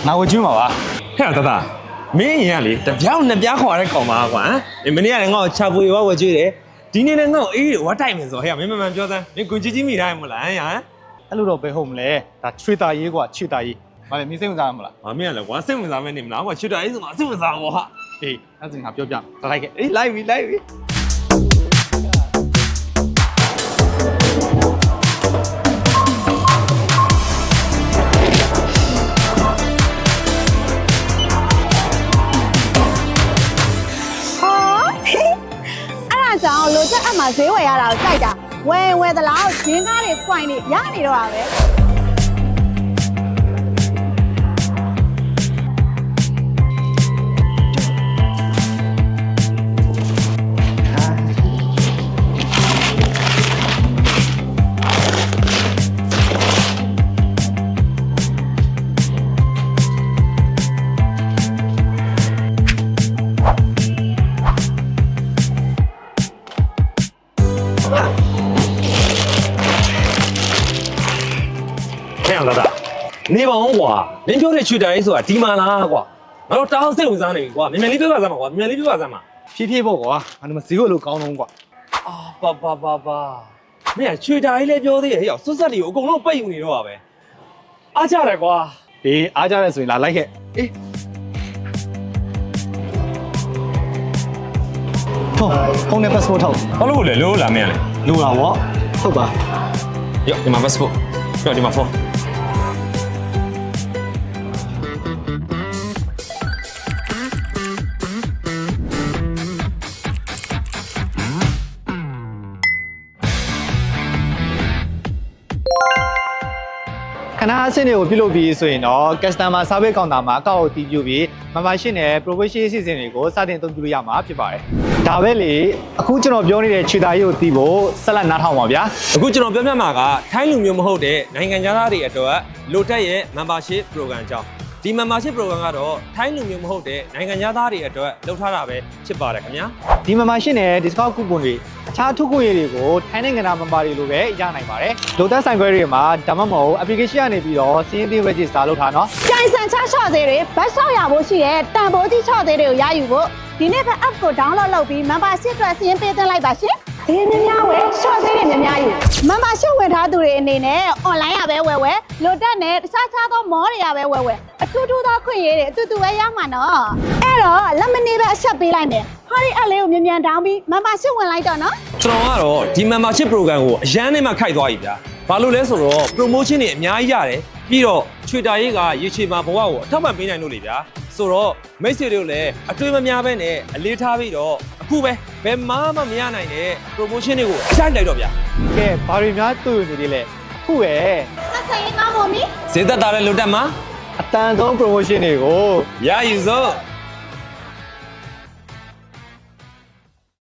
ငါဝကျွန်းပါပါဟဲ့တမင်းရင်ကလေတပြောင်းနှစ်ပြားခေါ်တဲ့ကောင်ပါကွာမင်းကလည်းငါ့ကိုချပွေဝကျွေးတယ်ဒီနေ့လည်းငါ့ကိုအေးဝတ်တိုက်မယ်ဆိုဟဲ့မင်းမမှန်ပြောစမ်းမင်းကိုကြီးမိတိုင်းမလားဟဲ့အဲ့လိုတော့ပဲဟုတ်မလဲဒါချွေတာရေးကွာချွေတာရေးဗါလေမင်းစိတ်ဝင်စားမလားမင်းကလည်းကွာစိတ်ဝင်စားမဲနေမလားကွာချွတ်တာအေးဆိုမှစိတ်ဝင်စားဘောဟာအေးအဲ့ဒါငါပြောပြလိုက်ခဲ့အေးလိုက်ပြီကြောင်လိုချက်အမှဈေးဝယ်ရတာကိုကြိုက်တာဝယ်သလားဂျင်းကားတွေပွိုင်နေရနေတော့တာပဲနေပါအောင်ကွာမင်းပြောတဲ့ချွေတာရေးဆိုတာဒီမှာလားကွာငါတို့တောင်းစိတ်ဝင်စားနေပြီကွာမြန်လေးပြောပါစမ်းပါကွာမြန်လေးပြောပါစမ်းပါဖြည်းဖြည်းပေါ့ကွာငါတို့ဈေးကိုလို့ကောင်းလုံးကွာပါမင်းချွေတာရေးလည်းပြောသေးရဲ့ဟဲ့ဆွတ်ဆက်တွေကိုအကုန်လုံးပိတ်ယူနေတော့ပါပဲအားကြတယ်ကွာအေးအားကြရဲဆိုရင်လာလိုက်ခဲ့အေးဖုန်းနဲ့ passport ထုတ်ဘာလို့လဲလို့လာမင်းလဲလိုတာဗောဟုတ်ပါရောဒီမှာ passport ရောဒီမှာဖုန်းခဏအဆင့်တွေကိုပြုလုပ်ပြီးဆိုရင်တော့ customer service counter မှာအကောက်အတီးပြုပြီး membership နဲ့ promotion အစီအစဉ်တွေကိုစတင်အသုံးပြုလို့ရမှာဖြစ်ပါတယ်။ဒါပဲလေအခုကျွန်တော်ပြောနေတဲ့ခြေသားရေးကိုတီးဖို့ဆက်လက်နားထောင်ပါဗျာအခုကျွန်တော်ပြောပြမှာကထိုင်းလူမျိုးမဟုတ်တဲ့နိုင်ငံသားတွေအတွက်လိုတက်ရဲ့ membership program အကြောင်းဒီ membership program ကတော့ထိုင်းလူမျိုးမဟုတ်တဲ့နိုင်ငံသားတွေအတွက်လုပ်ထားတာပဲဖြစ်ပါတယ်ခင်ဗျာ။ဒီ membership နဲ့ discount coupon တွေအခြားထုတ်ကုန်ရည်တွေကိုထိုင်းနိုင်ငံသား member တွေလိုပဲရနိုင်ပါတယ်။လိုတက်ဆိုင်ခွဲတွေမှာဒါမှမဟုတ် application ကနေပြီးတော့စီးရင်သေး register လုပ်ထားနော်ကြိုင်ဆန်ချချော့သေးတွေဘတ်ဆောက်ရဖို့ရှိတဲ့တန်ဖိုးကြီးချော့သေးတွေကိုရယူဖို့ဒီနေ့ပဲ app ကို download လုပ်ပြီး membership အတွက်စီးရင်ပေးသွင်းလိုက်ပါရှင်။ဒီများဝယ်ချော့သေးတွေများယူ membership ဝင်ထားသူတွေအနေနဲ့ online ရပဲဝယ်လိုတက်နဲ့တခြားသော mall တွေရပဲဝယ်အထူးသောခွင့်ရတွေအတူတူပဲရမှာနော်။အဲ့တော့လက်မနေပဲအချက်ပေးလိုက်မယ်။ဟာဒီ app လေးကိုမြန်တောင်းပြီး membership ဝင်လိုက်တော့နော်။ကျွန်တော်ကတော့ဒီ membership program ကိုအရန်နဲ့မှခိုက်သွားပြီဗျာဘာလို့လဲဆိုတော့ promotion တွေအများကြီးရတယ်ပြီးတော့ချွေတာရေးကရေချေမှာဘဝကိုအထောက်ပံ့ပေးနိုင်လို့လေဗျာဆိုတော့မိတ်ဆွေတို့လည်းအတွေ့မများပဲနဲ့အလေးထားပြီးတော့အခုပဲဘယ်မှမရနိုင်တဲ့ promotion တွေကိုအဆိုင်လိုက်တော့ဗျာ။ကဲဘာတွေများတွေ့နေသေးလဲ။အခုပဲဆက်ဆံရေးကောင်းဖို့မီဈေးသက်သာတဲ့လိုတက်မှာအတန်ဆုံး promotion တွေကိုရယူစို့